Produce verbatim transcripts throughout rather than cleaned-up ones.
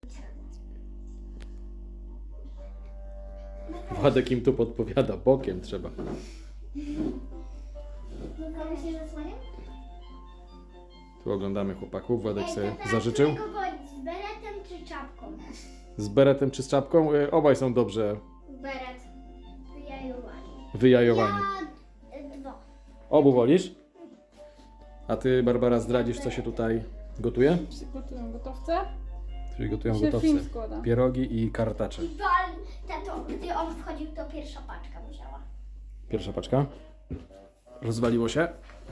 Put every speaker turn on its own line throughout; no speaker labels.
Władek im tu podpowiada, bokiem trzeba.
Komuś się zasłania?
Tu oglądamy chłopaków, Władek
Ej,
sobie
tata,
zażyczył.
którego wolisz, z beretem czy czapką?
Z beretem czy z czapką? E, Obaj są dobrze
Beret. Wyjajowani.
wyjajowani.
Ja e, dwa.
Obu wolisz? A ty, Barbara, zdradzisz, co się tutaj gotuje?
Gotują gotowce.
Czyli gotują
Się
gotowce.
film składa.
Pierogi i kartacze.
I wal, tato, gdy on wchodził, to pierwsza paczka musiała.
Pierwsza paczka. Rozwaliło się.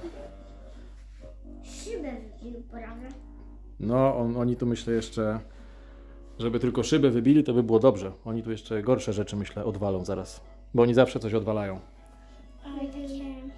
Szybę wybił prawie.
No, on, oni tu myślę jeszcze, żeby tylko szybę wybili, to by było dobrze. Oni tu jeszcze gorsze rzeczy, myślę, odwalą zaraz. Bo oni zawsze coś odwalają.
Ale takie...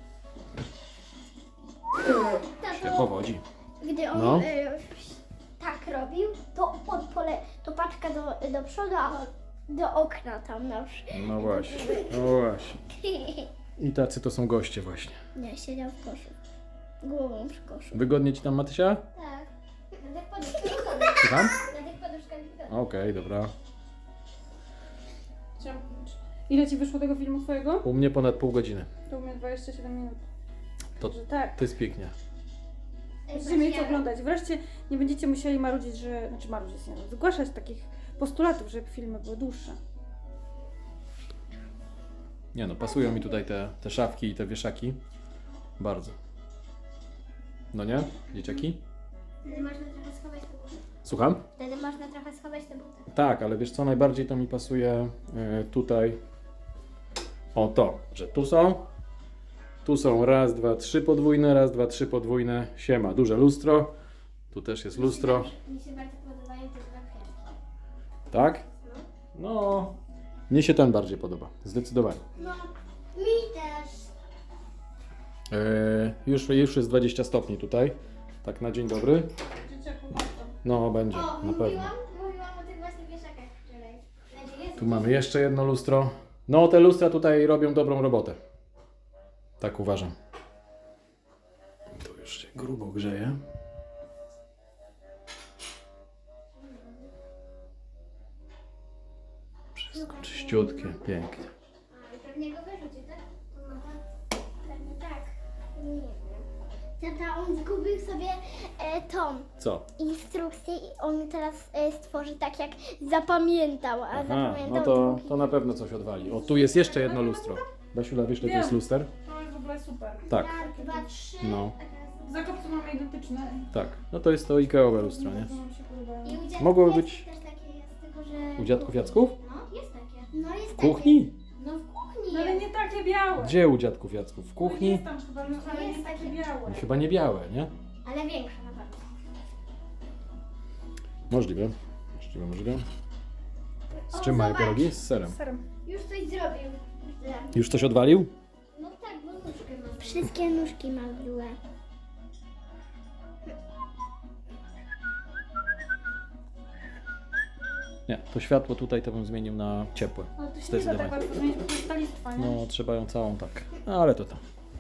Się
Tato,
powodzi.
gdy on
No.
e, tak robił, to od pole, to paczka do, do przodu, a do okna tam na przykład.
No właśnie, no właśnie. I tacy to są goście właśnie.
Nie, siedział w koszu. Głową przy koszu.
Wygodnie ci tam, Matysia?
Tak. Na tych poduszkach
Słucham?
Na tych poduszkach
Okej, dobra.
Chciałam... Ile ci wyszło tego filmu twojego?
U mnie ponad pół godziny.
To u mnie dwadzieścia siedem minut.
To,
Że tak.
to jest pięknie.
Będziecie mieli co oglądać. Wreszcie nie będziecie musieli marudzić, że... Znaczy marudzić, nie, no, zgłaszać takich postulatów, żeby filmy były dłuższe.
Nie no, pasują mi tutaj te, te szafki i te wieszaki. Bardzo. No nie, dzieciaki?
Wtedy można trochę schować te buty.
Słucham?
Wtedy można trochę schować te buty.
Tak, ale wiesz co, najbardziej to mi pasuje y, tutaj. O to, że tu są. Tu są raz, dwa, trzy podwójne, raz, dwa, trzy podwójne. Siema, duże lustro. Tu też jest lustro.
Mi się bardzo podobają te dwa kwiatki.
Tak? No, mnie się ten bardziej podoba. Zdecydowanie.
No, mi też.
Y, już, już jest dwadzieścia stopni tutaj. Tak na dzień dobry.
Dzieciaku, masz tam.
No, będzie,
O,
na pewno.
mówiłam, mówiłam o tych właśnie wieszakach wczoraj. Znaczy,
Tu mamy jeszcze jedno lustro. No, te lustra tutaj robią dobrą robotę. Tak uważam. Tu już się grubo grzeje. Wszystko czyściutkie, pięknie.
A, i pewnie go wyrzuci, tak? No, tak. Pewnie tak. Nie wiem. Tata, on zgubił sobie e, tą
Co?
instrukcję i on teraz e, stworzy tak, jak zapamiętał, a
Aha,
zapamiętał
no to,
drugi.
to na pewno coś odwali. O, tu jest jeszcze jedno lustro. Basiula, wiesz, ile to jest luster?
To jest w ogóle super.
Tak,
Raz, dwa, trzy.
no,
W zakopcu mamy identyczne.
tak. No to jest to Ikeowe lustro, nie?
Bardzo nam się podobają.
I u dziadków
Mogłoby
jest
być-
też takie jest, tylko że...
U dziadków Jacków?
No, jest takie. No, jest
W kuchni?
Takie. No, w kuchni
No ale
jest.
nie takie białe.
Gdzie u dziadków Jacków? W kuchni?
Jest tam chyba, no, ale
Jest
nie takie
takie.
białe.
Chyba nie białe, nie?
Ale większe na pewno.
Możliwe. Możliwe, możliwe. Z
O,
czym mają
zobacz.
pierogi? Z serem.
Z serem.
Już coś zrobił.
Już coś odwalił?
No tak, bo nóżkę ma. Wszystkie nóżki ma były.
Nie, to światło tutaj to bym zmienił na ciepłe.
Ale to się nie da tak
Zdecydowanie.
bardzo zmienić, bo to jest ta listwa, nie?
No, trzeba ją całą tak. Ale to tam.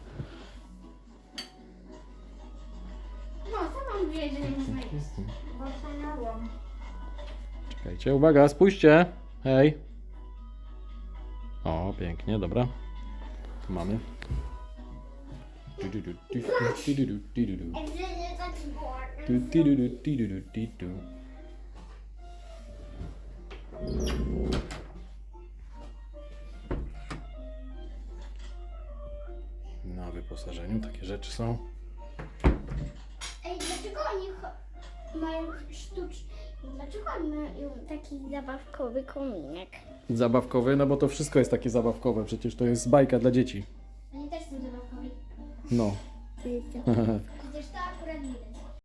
No, co mam wiedzieć, że nie można jeść?
Bo wspaniałam.
Czekajcie, uwaga, spójrzcie. Hej. O, pięknie, dobra. Tu mamy. Du, du, du, du, du, du, du, du, du, du. Du, du, du, du, du, du, du, du. Na wyposażeniu takie rzeczy są.
Ej, dlaczego oni cho- mają sztuczny... Dlaczego oni mają taki zabawkowy kominek?
Zabawkowy, no bo to wszystko jest takie zabawkowe, przecież to jest bajka dla dzieci.
Oni też są zabawkowi.
No.
To jest zabawkowy.